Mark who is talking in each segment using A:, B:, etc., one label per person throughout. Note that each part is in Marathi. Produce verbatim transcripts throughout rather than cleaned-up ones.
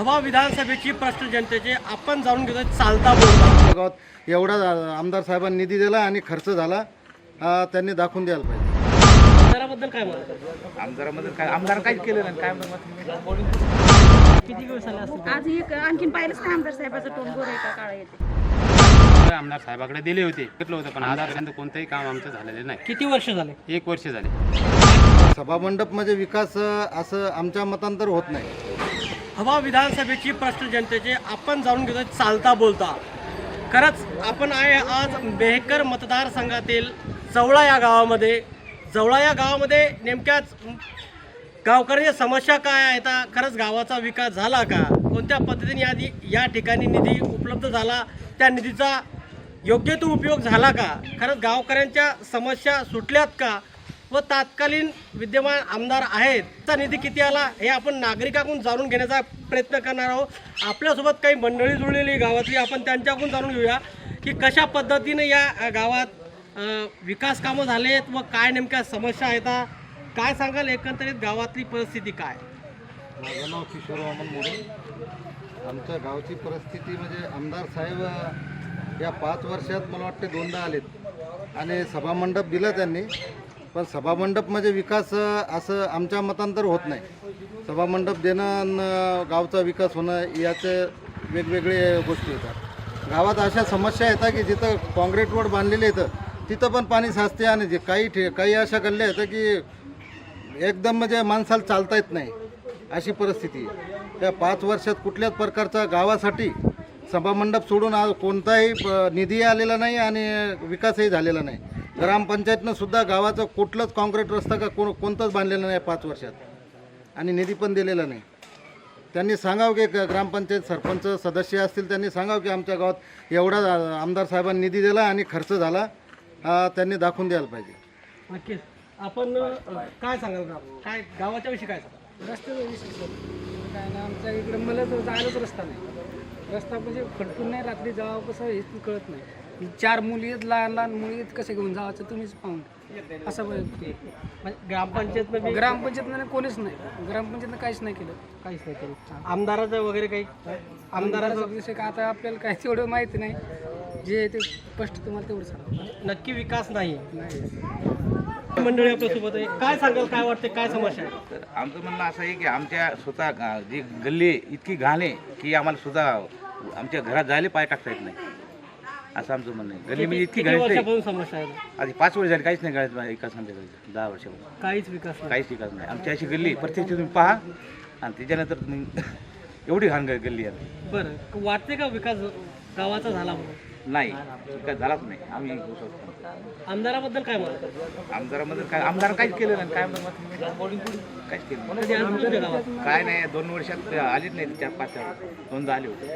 A: हवा विधानसभेची प्रश्न जनतेचे आपण जाणून घेतोय चालता बोलता.
B: गावात एवढा आमदार साहेबांनी निधी दिला आणि खर्च झाला, हा त्यांनी दाखवून द्यायला पाहिजे.
A: आमदाराबद्दल काय म्हणतात?
C: आमदारामध्ये काय आमदार काहीच केलं नाही. काय म्हणतात
A: किती दिवस झाले असतील?
D: आज एक आणखीन पाहिलंच नाही आमदार साहेबाचं टोन गोरे का काळा येते.
E: आमदार साहेबाकडे दिले होते घेतलं होतं, पण आजपर्यंत कोणतंही काम आमचं झालेलं नाही.
A: किती वर्ष झाले?
E: एक वर्ष झाले.
B: सभामंडप म्हणजे विकास असं आमच्या मतांतर होत नाही.
A: हवा विधानसभेची प्रश्न जनतेचे आपण जाणून घेतोय चालता बोलता. खरंच आपण आहे आज मेहकर मतदारसंघातील जवळा या गावामध्ये. जवळा या गावामध्ये नेमक्याच गावकऱ्यांच्या समस्या काय आहेत, खरंच गावाचा विकास झाला का, कोणत्या पद्धतीने आधी या ठिकाणी निधी उपलब्ध झाला, त्या निधीचा योग्य तो उपयोग झाला का, खरंच गावकऱ्यांच्या समस्या सुटल्यात का, व तात्कालीन विद्यमान आमदार आहेत त्याचा निधी किती आला हे आपण नागरिकांकडून जाणून घेण्याचा प्रयत्न करणार आहोत. आपल्यासोबत काही मंडळी जुळलेली गावातली, आपण त्यांच्याकडून जाणून घेऊया की कशा पद्धतीने या गावात विकास कामं झालेत व काय नेमक्या समस्या आहेत. काय सांगाल एकंदरीत गावातली परिस्थिती काय?
B: माझं नाव किशोर वामन मोरे. आमच्या गावची परिस्थिती म्हणजे आमदार साहेब या पाच वर्षात मला वाटते दोनदा आलेत आणि सभामंडप दिलं त्यांनी, पण सभामंडप म्हणजे विकास असं आमच्या मतांतर होत नाही. सभामंडप देणं न गावचा विकास होणं याचे वेगवेगळे गोष्टी येतात. गावात अशा समस्या येतात की जिथं काँक्रीट रोड बांधलेले येतं तिथं पण पाणी साचते आणि जे काही ठे काही अशा गल्ल्या येतं की एकदम म्हणजे माणसाला चालता येत नाही, अशी परिस्थिती आहे. त्या पाच वर्षात कुठल्याच प्रकारचा गावासाठी सभामंडप सोडून आज कोणताही निधी आलेला नाही आणि विकासही झालेला नाही. ग्रामपंचायतनं सुद्धा गावाचं कुठलंच काँक्रीट रस्ता का कोण कोणतंच बांधलेलं नाही पाच वर्षात आणि निधी पण दिलेला नाही. त्यांनी सांगावं की ग्रामपंचायत सरपंच सदस्य असतील त्यांनी सांगावं की आमच्या गावात एवढा आमदार साहेबांनी निधी दिला आणि खर्च झाला, हा त्यांनी दाखवून द्यायला पाहिजे.
A: नक्कीच. आपण काय सांगाल गाव काय गावाच्या विषयी काय सांगाल?
F: रस्त्याचा विषय काय नाही, आमच्या इकडे मला तर जायलाच रस्ता नाही. रस्ता म्हणजे खडकून नाही, रात्री जावं कसं हेच कळत नाही. चार मुली आहेत, लहान लहान मुली आहेत, कसे घेऊन जावाचं तुम्हीच पाहून असं
A: म्हणजे ग्रामपंचायतनं
F: ग्रामपंचायतनं कोणीच नाही, ग्रामपंचायतनं काहीच नाही केलं.
A: काहीच नाही केलं. आमदाराचं वगैरे काही
F: आमदाराचा
A: आमदाराचं
F: विषय का आता आपल्याला काही तेवढं माहिती नाही, जे ते स्पष्ट तुम्हाला तेवढं सांगा.
A: नक्की विकास नाही
F: नाही
A: मंडळी आपल्यासोबत आहे. काय सांगाल, काय वाटते, काय समस्या आहे?
C: तर आमचं म्हणणं असं आहे की आमच्या स्वतः गा- जी गल्ली इतकी घाण आहे की आम्हाला सुद्धा आमच्या घरात जायला पाय टाकता येत नाही, असं आमचं म्हणणं आहे. गल्ली म्हणजे इतकी
A: किती
C: घाण आहे.
A: वर्षापासून समस्या आहे?
C: आधी पाच वर्ष झाली काहीच नाही गळत विकास आमच्या गल्लीत. दहा वर्षापासून
A: काहीच विकास नाही.
C: काहीच विकास नाही. आमची अशी गल्ली प्रत्येक तुम्ही पहा आणि त्याच्यानंतर तुम्ही एवढी घाण ग- गल्ली आहे.
A: बरं, वाटते का विकास गावाचा झाला म्हणून?
C: नाही, विकास झालाच नाही. आम्ही होऊ शकतो.
A: आमदाराबद्दल काय म्हणतात?
C: आमदारामध्ये काय आमदार काहीच केलं नाही. काय म्हणतात काहीच केलं नाही.
A: कधी आलं तुमच्या गावात?
C: काय नाही, दोन वर्षात आलीच नाही. चार पाच दोनदा आले होते.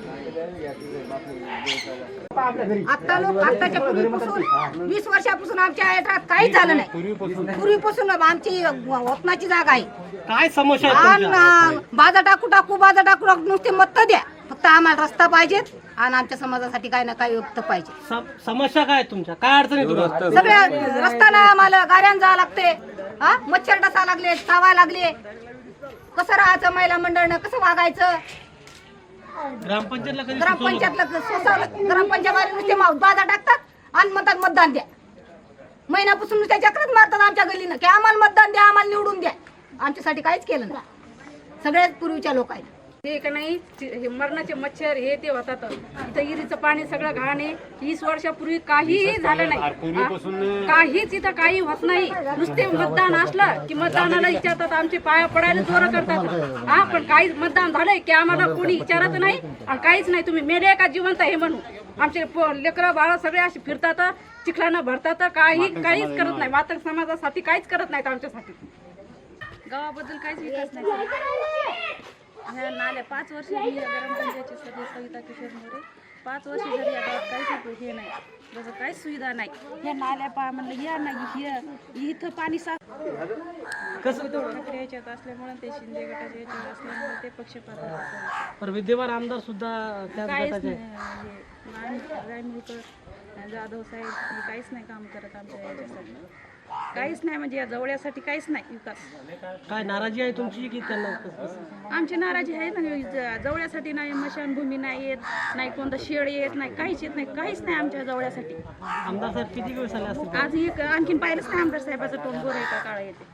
D: आता लोक आताच्या पूर्वीपासून वीस वर्षापासून आमच्या याच्यात काहीच झालं नाही. पूर्वीपासून आमची वतनाची जागा आहे.
A: काय समस्या आहे तुमच्या?
D: आणि बाजा टाकू टाकू बाजा टाकू टाकू नुसते मत द्या, फक्त आम्हाला रस्ता पाहिजेत आणि आमच्या समाजासाठी काही ना काही व्यक्त पाहिजे.
A: सम- समस्या काय आहेत तुमच्या? काय अडचणी तुम्हाला?
D: सगळ्या रस्त्याला आम्हाला गाड्यान जावं लागते, हा मच्छर डसा लागले, चावा लागले, कसं राहायचं, महिला मंडळनं कसं वागायचं,
A: ग्रामपंचायतला कधी सुचवलं?
D: ग्रामपंचायतला सोसावलं, ग्रामपंचायत नुसते माऊत बाजा टाकतात आणि म्हणतात मतदान द्या. महिन्यापासून नुसत्या चक्रच मारतात आमच्या गल्लीनं की आम्हाला मतदान द्या, आम्हाला निवडून द्या. आमच्यासाठी काहीच केलं नाही सगळ्यात पूर्वीच्या लोकांना.
G: ते का नाही हे मरणाचे मच्छर हे ते होतात. इथं इरीचं पाणी सगळं घाण आहे. वीस वर्षापूर्वी काहीही झालं नाही, हा? काहीच इथं काही होत नाही. नुसते मतदान असलं की मतदानाला विचारतात, आमचे पाया पडायला जोर करतात, हा पण काहीच मतदान झालंय की आम्हाला कोणी विचारत नाही आणि काहीच नाही. तुम्ही मेले का जिवंत हे म्हणून आमचे लेकरं बाळा सगळे असे फिरतात, चिखलानं भरतात, काही काहीच करत नाही. मातक समाजासाठी काहीच करत नाहीत आमच्यासाठी.
H: गावाबद्दल काहीच विकास नाही. ह्या नाल्या पाच वर्ष मी ग्रामपंचायतची सदस्य सविता किशोर मोरे. पाच वर्ष झाली या गावात काहीच हे नाही, जसं काहीच सुविधा नाही. ह्या नाल्या पा म्हणलं या नाही, हे इथं पाणी साफ
A: कसं
H: ठाकरे याच्यात असल्यामुळे ते शिंदे गटाच्या याच्यात असल्यामुळे ते पक्षपात
A: पण विद्यमान आमदार सुद्धा त्याच
H: काहीच
A: गटाचे
H: नाही. हे रायमुलकर जाधव साहेब हे काहीच नाही काम करत आमच्या याच्यासाठी. काहीच नाही म्हणजे या जवळ्यासाठी काहीच नाही विकास.
A: काय नाराजी आहे तुमची की त्यांना?
H: आमची नाराजी आहे ना, ज- जवळ्यासाठी नाही मशानभूमी नाही येत, नाही कोणतं शेड येत नाही, काहीच येत नाही, काहीच नाही आमच्या जवळ्यासाठी.
A: आमदार साहेब किती दिवस आले असतील?
H: आज एक आणखीन पाहिलंच नाही आमदार साहेबाचं टोंगोर आहे का काळा येते.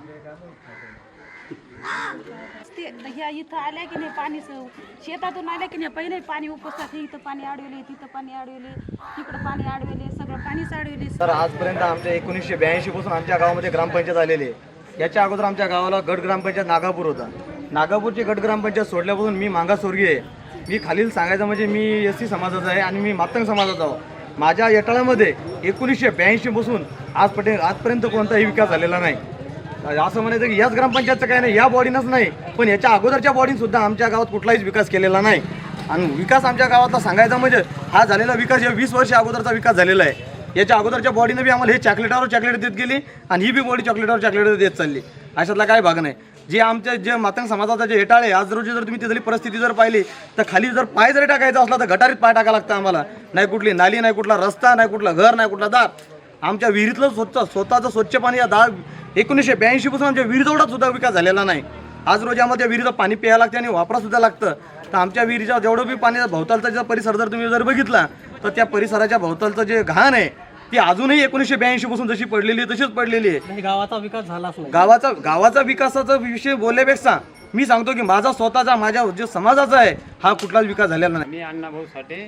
H: ते ह्या इथं आल्या की नाही पाणी स- शेतातून आल्या की नाही पहिले पाणी उपसतात, हे इथं पाणी अडवले, तिथं पाणी अडवले, तिकडं पाणी अडवले, सगळं पाणीच अडवले.
I: तर आजपर्यंत आमच्या एकोणीसशे ब्याऐंशी पासून आमच्या गावामध्ये ग्रामपंचायत आलेली आहे. याच्या अगोदर आमच्या गावाला गट ग्रामपंचायत नागापूर होता. नागापूरची गट ग्रामपंचायत सोडल्यापासून मी मागासवर्गीय आहे. मी खालील सांगायचं म्हणजे मी एस सी समाजाचा आहे आणि मी मातंग समाजाचा आहो. माझ्या येटाळ्यामध्ये एकोणीसशे ब्याऐंशी पासून आजपर्यंत आजपर्यंत कोणताही विकास झालेला नाही. असं म्हणायचं की याच ग्रामपंचायतचं काही नाही, या बॉडीनंच नाही, पण याच्या अगोदरच्या बॉडीनसुद्धा आमच्या गावात कुठलाहीच विकास केलेला नाही. आणि विकास आमच्या गावातला सांगायचा म्हणजे हा झालेला विकास या वीस वर्ष अगोदरचा विकास झालेला आहे. याच्या अगोदरच्या बॉडीनं बी आम्हाला हे चॉकलेटावर चॉकलेट देत गेली आणि ही बी बॉडी चॉकलेटावर चॉकलेट देत चालली. अशातला काय भाग नाही. जे आमच्या जे मातंग समाजाचा जे हेटाळे आज रोजी जर तुम्ही तिथली परिस्थिती जर पाहिली तर खाली जर पाय जरी टाकायचा असला तर गटारीत पाय टाकायला लागतं आम्हाला. नाही कुठली नाली, नाही कुठला रस्ता, नाही कुठला घर, नाही कुठला दार. आमच्या विहिरीतलं स्वच्छ स्वतःचं स्वच्छ पाणी या दहा एकोणीसशे ब्याऐंशी पासून आमच्या विहिरीजवळा सुद्धा विकास झालेला नाही. आज रोजी आम्हाला त्या विहिरीचं पाणी प्यायला लागतं आणि वापरासुद्धा लागतं. तर आमच्या विहिरीच्या जेवढं बी पाणी भोवतालचा जो परिसर जर तुम्ही जर बघितला तर त्या परिसराच्या भोवतालचं जे घाण आहे ती अजूनही एकोणीसशे ब्याऐंशी पासून जशी पडलेली आहे तशीच पडलेली आहे.
A: म्हणजे गावाचा विकास झालाच नाही.
I: गावाचा गावाचा विकासाचा विषय बोलल्यापेक्षा मी सांगतो की माझा स्वतःचा माझ्या जे समाजाचा आहे हा कुठलाच विकास झालेला नाही.
E: मी अण्णाभाऊ साठे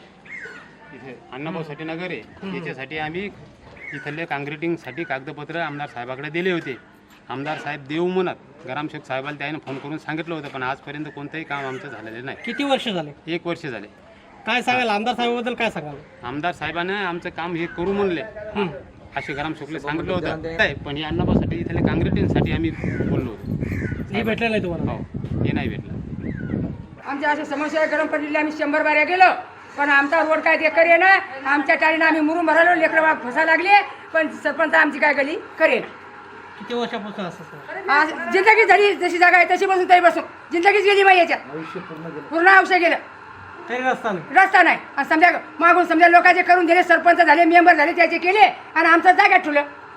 E: इथे अण्णाभाऊ साठे नगर आहे, याच्यासाठी आम्ही इथले काँक्रिटिंगसाठी कागदपत्र आमदार साहेबाकडे दिले होते. आमदार साहेब देऊ म्हणत ग्रामसेवक साहेबाला त्याने फोन करून सांगितलं होतं, पण आजपर्यंत कोणतंही काम आमचं झालेलं नाही.
A: किती वर्ष झाले?
E: एक वर्ष झाले.
A: काय सांगाल आमदार साहेबाबद्दल, काय सांगाल?
E: आमदार साहेबांना आमचं काम हे करू म्हणले असे ग्रामसेवकला सांगितलं होतं काय, पण हे अण्णाभाऊसाठी इथले काँक्रिटिंगसाठी आम्ही बोललो होतो.
A: हे भेटलं नाही तुम्हाला?
E: हो, हे नाही भेटलं.
J: आमच्या अशा समस्या गरम पडलेली आम्ही शंभर बाऱ्या गेलो, पण आमचा रोड काय ते करे ना. आमच्या टाळीनं आम्ही मुरून भरालो, लेकरं फसा लागले, पण सरपंच आमची काय गली करेल.
A: किती वर्षापासून असं?
J: आज जिंदगी झाली जशी जागा आहे तशी बसून तरी बसून जिंदगीच गेली बाई याच्यात. पूर्ण आयुष्य गेलं,
A: तरी रस्ता नाही.
J: रस्ता नाही. आणि समजा मागून समजा लोकांचे करून दिले, सरपंच झाले, मेंबर झाले, त्याचे केले आणि आमचं जाग्यात ठेवलं.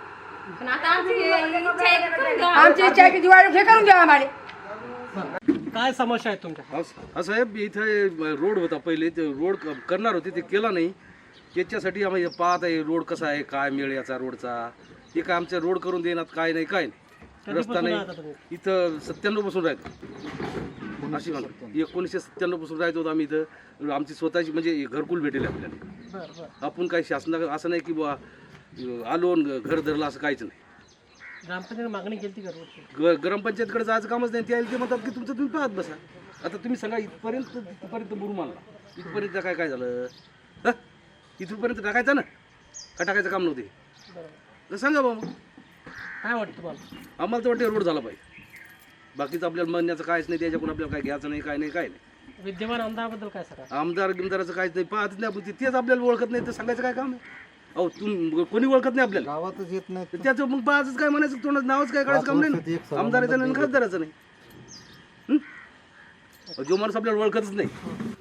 J: आमची इच्छा आहे की दिवाळी हे करून द्या आम्हाला.
A: काय समस्या आहेत तुमच्या?
K: हा साहेब, इथं रोड होता पहिले, ते रोड क- करणार होते, ते केला नाही. त्याच्यासाठी आम्ही पाहत आहे रोड कसा आहे, काय मिळ याचा रोडचा. हे काय आमच्या रोड करून देणार, काय नाही काय नाही, रस्ता नाही. इथं सत्त्याण्णव पासून राहतो अशी म्हणतो, एकोणीसशे सत्त्याण्णव पासून राहतो होतो आम्ही इथं. आमची स्वतःची म्हणजे घरकुल भेटेल आपल्याला. आपण काही शासना असं नाही की बुवा आलो न घर धरलं असं काहीच नाही.
A: ग्रामपंचायत मागणी केली का रोडची?
K: ग ग्रामपंचायतकडे जायचं कामच नाही. ते ते म्हणतात की तुमचं तुम्ही पाहत बसा. आता तुम्ही सांगा इथपर्यंत इथपर्यंत बुरून मानला, इथपर्यंत काय काय झालं? हा, इथपर्यंत टाकायचं ना, का टाकायचं काम नव्हते? तर सांगा बाबा,
A: काय वाटतं तुम्हाला?
K: आम्हाला तर वाटतं रोड झाला पाहिजे. बाकीचं आपल्याला म्हणण्याचं काहीच नाही, त्याच्याकडून आपल्याला काय घ्यायचं नाही, काय नाही काय नाही.
A: विद्यमान आमदाराबद्दल काय सांगा?
K: आमदार गिमदाराचं काहीच नाही, पाहतच नाही आपण. तेच आपल्याला ओळखत नाही तर सांगायचं काय काम आहे? अहो तुम कोणी ओळखत नाही आपल्याला,
B: गावातच येत नाही.
K: तर त्याचं मग पाहतच काय म्हणायचं, तोंडाचं नावच काय काढायचं काम नाही ना. आमदाराचं नाही, खासदाराचं नाही. जो माणूस आपल्याला ओळखतच नाही